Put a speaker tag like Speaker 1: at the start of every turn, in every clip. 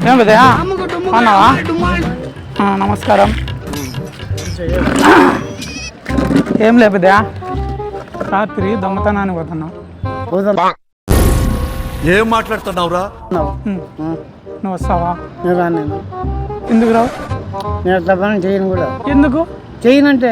Speaker 1: ఏం పెద్దయా అన్నావా? నమస్కారం. ఏం లే పెద్దయా, రాత్రి దొంగతనానికి పోతున్నావు.
Speaker 2: ఏం మాట్లాడుతున్నావురా?
Speaker 1: నువ్వు వస్తావా?
Speaker 3: నేను
Speaker 1: ఎందుకు రావు?
Speaker 3: నేను తప్పని చేయను కూడా.
Speaker 1: ఎందుకు
Speaker 3: చేయనంటే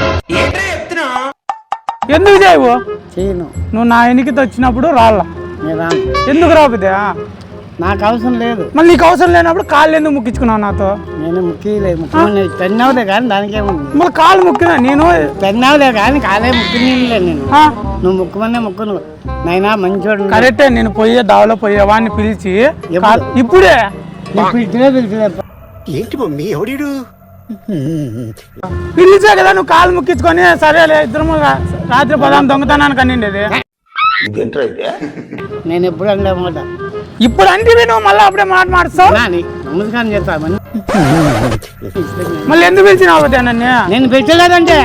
Speaker 1: ఎందుకు చేయవు?
Speaker 3: చేయను.
Speaker 1: నువ్వు నా ఎన్నికతో వచ్చినప్పుడు రాళ్ళ.
Speaker 3: నేను రాను.
Speaker 1: ఎందుకు రావు పెద్దయా?
Speaker 3: నాకు అవసరం లేదు.
Speaker 1: మళ్ళీ నీకు అవసరం లేనప్పుడు కాళ్ళు ఎందుకు ముక్కించుకున్నావు నాతో?
Speaker 3: నేను ముఖ్యలేదు. ముఖ్యమని పెన్నావులే కానీ దానికేముంది.
Speaker 1: మళ్ళీ కాళ్ళు ముక్కినా నేను
Speaker 3: పెన్నావులే కానీ కాలే ముఖ్యలే నేను. నువ్వు ముక్కుమనే ముక్కును నైనా మంచోడు.
Speaker 1: కరెక్టే. నేను పోయే దావలో పోయేవాడిని పిలిచి ఇప్పుడే
Speaker 3: పిలిచినా
Speaker 2: ఏంటి మమ్మీ ఎవడీడు?
Speaker 1: పిలిచే కదా నువ్వు కాళ్ళు ముక్కించుకొని సరేలే ఇద్దరు రాత్రి పదాం దొంగతనానికి అనిండేది.
Speaker 3: నేను ఎప్పుడు అంటే మాట
Speaker 1: ఇప్పుడు అంటే నువ్వు మళ్ళీ అప్పుడే మాట మారుస్తావు.
Speaker 3: నమస్కారం చేస్తామని
Speaker 1: మళ్ళీ ఎందుకు పిలిచినావు పెద్ద నన్ను?
Speaker 3: నేను పెట్టలేదంటే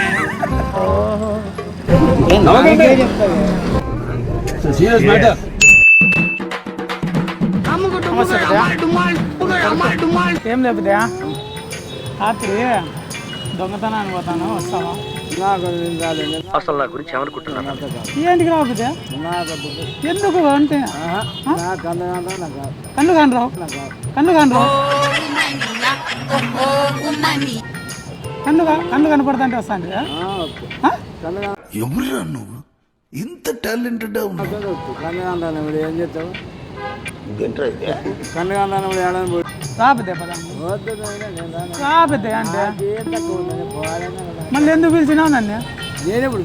Speaker 1: ఏం లేకపోతే రాత్రి దొంగతనానికి పోతాను, వస్తావా?
Speaker 4: అసలు నా గురించి ఏమనుకుంటున్నాను?
Speaker 1: ఏంటికి రాకపోతే ఎందుకు అంటే కన్ను కానరావు కన్ను కనపడతా అంటే వస్తాను.
Speaker 2: ఎవరురా నువ్వు? ఇంత టాలెంటెడ్
Speaker 3: ఏం చేస్తావు?
Speaker 1: రాబోతే రాబోతే అంటే మళ్ళీ ఎందుకు పిలిచినావు నన్ను?
Speaker 3: నేనెప్పుడు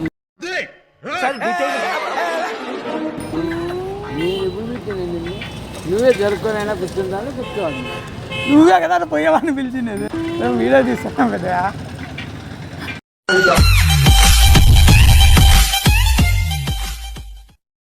Speaker 3: నువ్వే జరుపుకొని కూర్చుంటాను కూర్చోవాలి.
Speaker 1: నువ్వే కదా పోయేవాడిని పిలిచినది. వీడియో తీస్తాను కదా.